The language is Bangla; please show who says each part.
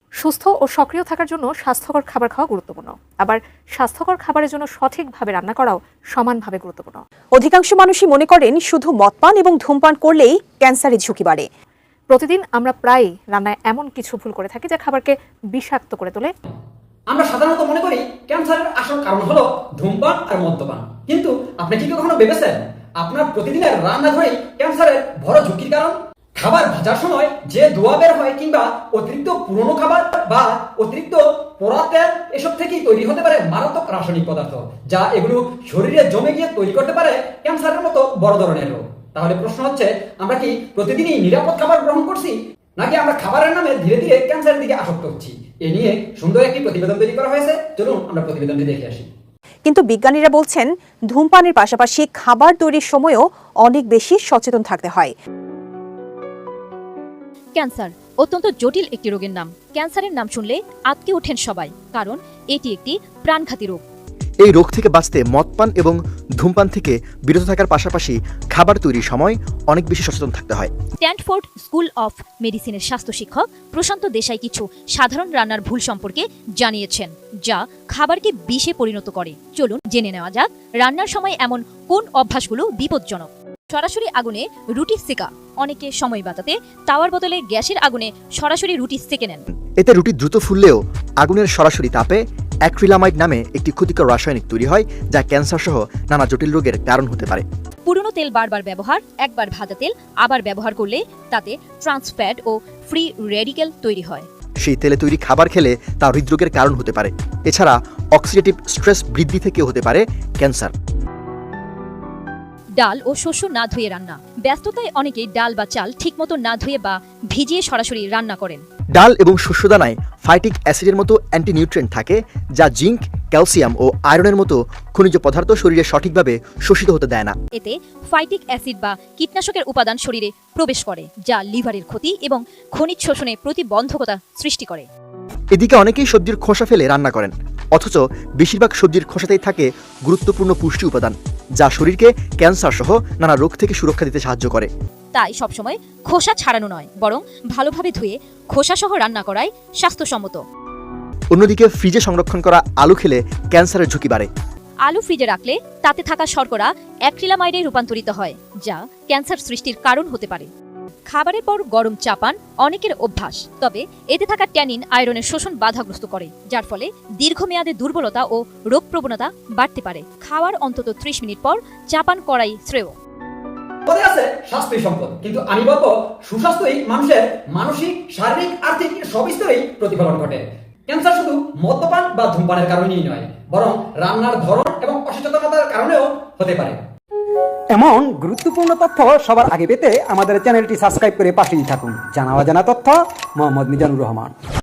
Speaker 1: সুস্থ ও সক্রিয় থাকার জন্য স্বাস্থ্যকর খাবার খাওয়া গুরুত্বপূর্ণ। আবার স্বাস্থ্যকর খাবারের জন্য সঠিকভাবে রান্না করাও সমানভাবে গুরুত্বপূর্ণ।
Speaker 2: অধিকাংশ মানুষই মনে করেন শুধু মদপান এবং ধূমপান করলেই ক্যান্সারের ঝুঁকি বাড়ে।
Speaker 1: প্রতিদিন আমরা প্রায়ই রান্নায় এমন কিছু ভুল করে থাকি যা খাবারকে বিষাক্ত করে তোলে।
Speaker 3: আমরা সাধারণত মনে করি ক্যান্সারের আসল কারণ হলো ধূমপান আর মদ্যপান, কিন্তু আপনি কি কখনো ভেবেছেন আপনার প্রতিদিনের রান্নাঘরেই ক্যান্সারের বড় ঝুঁকির কারণ? খাবার ভাজার সময় যে ধোঁয়া বের হয় কিংবা অতিরিক্ত পুরনো খাবার বা অতিরিক্ত পোড়া তেল, এসব থেকেই তৈরি হতে পারে মারাত্মক রাসায়নিক পদার্থ, যা এগুলো শরীরে জমে গিয়ে তৈরি করতে পারে ক্যান্সারের মতো বড় ধরনের রোগ। তাহলে প্রশ্ন হচ্ছে, আমরা কি প্রতিদিনই নিরাপদ খাবার গ্রহণ করছি, নাকি আমরা খাবারের নামে ধীরে ধীরে ক্যান্সারের দিকে আসক্ত হচ্ছি? এ নিয়ে সুন্দর একটি প্রতিবেদন তৈরি করা হয়েছে, চলুন আমরা প্রতিবেদনটি দেখে আসি।
Speaker 2: কিন্তু বিজ্ঞানীরা বলছেন ধূমপানের পাশাপাশি খাবার তৈরির সময়ও অনেক বেশি সচেতন থাকতে হয়।
Speaker 4: ক্যান্সার অত্যন্ত জটিল একটি রোগের নাম। ক্যান্সারের নাম শুনলে আঁতকে ওঠেন সবাই, কারণ এটি একটি প্রাণঘাতী রোগ।
Speaker 5: এই রোগ থেকে বাঁচতে মদপান এবং ধূমপান থেকে বিরত থাকার পাশাপাশি খাবার তৈরির সময় অনেক বেশি সচেতন থাকতে হয়।
Speaker 4: স্ট্যানফোর্ড স্কুল অফ মেডিসিনের স্বাস্থ্য শিক্ষক প্রশান্ত দেশাই কিছু সাধারণ রান্নার ভুল সম্পর্কে জানিয়েছেন, যা খাবারকে বিষে পরিণত করে। চলুন জেনে নেওয়া যাক রান্নার সময় এমন কোন অভ্যাসগুলো বিপজ্জনক। সরাসরি আগুনে রুটি সেকা। অনেকে সময় বাঁচাতে তাওয়ার বদলে গ্যাসের আগুনে সরাসরি রুটি সেকে নেন।
Speaker 5: এতে রুটি দ্রুত ফুললেও আগুনের সরাসরি তাপে অ্যাক্রিলামাইড নামে একটি ক্ষতিকর রাসায়নিক তৈরি হয়, যা ক্যান্সার সহ নানা জটিল রোগের কারণ হতে পারে।
Speaker 4: পুরনো তেল বারবার ব্যবহার, একবার ভাজা তেল আবার ব্যবহার করলে তাতে ট্রান্সফ্যাট ও ফ্রি রেডিক্যাল তৈরি হয়।
Speaker 5: সেই তেলে তৈরি খাবার খেলে তা হৃদরোগের কারণ হতে পারে। এছাড়া অক্সিডেটিভ স্ট্রেস বৃদ্ধি থেকেও হতে পারে ক্যান্সার।
Speaker 4: ডাল ও শস্য না ধুয়ে রান্না। ব্যস্ততায় অনেকেই ডাল বা চাল ঠিকমতো না ধুয়ে বা ভিজিয়ে সরাসরি রান্না করেন।
Speaker 5: ডাল এবং শস্যদানায় ফাইটিক অ্যাসিডের মতো অ্যান্টিনিউট্রিয়েন্ট থাকে, যা জিঙ্ক, ক্যালসিয়াম ও আয়রনের মতো খনিজ পদার্থ শরীরে সঠিকভাবে শোষিত হতে দেয় না।
Speaker 4: এতে ফাইটিক অ্যাসিড বা কীটনাশকের উপাদান শরীরে প্রবেশ করে, যা লিভারের ক্ষতি এবং খনিজ শোষণে প্রতিবন্ধকতা সৃষ্টি করে।
Speaker 5: এদিকে অনেকেই সবজির খোসা ফেলে রান্না করেন, অথচ বেশিরভাগ সবজির খোসাতেই থাকে গুরুত্বপূর্ণ পুষ্টি উপাদান, যা শরীরকে ক্যান্সার সহ নানা রোগ থেকে সুরক্ষা দিতে সাহায্য করে।
Speaker 4: তাই সবসময় খোসা ছাড়ানো নয়, বরং ভালোভাবে ধুয়ে খোসা সহ রান্না করাই স্বাস্থ্যসম্মত।
Speaker 5: অন্যদিকে ফ্রিজে সংরক্ষণ করা আলু খেলে ক্যান্সারের ঝুঁকি বাড়ে।
Speaker 4: আলু ফ্রিজে রাখলে তাতে থাকা শর্করা অ্যাক্রিলামাইডে রূপান্তরিত হয়, যা ক্যান্সার সৃষ্টির কারণ হতে পারে। খাবারের পর গরম চা পান অনেকের অভ্যাস, তবে এতে থাকা ট্যানিন আয়রনের শোষণ বাধাগ্রস্ত করে, যার ফলে দীর্ঘমেয়াদে দুর্বলতা ও রোগ প্রবণতা বাড়তে পারে। খাওয়ার অন্তত 30 মিনিট পর চা পান করাই শ্রেয়।
Speaker 3: পরে আছে স্বাস্থ্যই সম্পদ, কিন্তু আমি বলবো সুস্বাস্থ্যই মানুষের মানসিক, শারীরিক, আর্থিক সব স্তরেই প্রতিফলন ঘটে। ক্যান্সার শুধু মদ্যপান বা ধূমপানের কারণেই নয়, বরং রান্নার ধরন এবং অসচেতনতার কারণেও হতে পারে।
Speaker 6: এমন গুরুত্বপূর্ণ তথ্য সবার আগে পেতে আমাদের চ্যানেলটি সাবস্ক্রাইব করে পাশেই থাকুন। জানা অজানা তথ্য, মোহাম্মদ মিজানুর রহমান।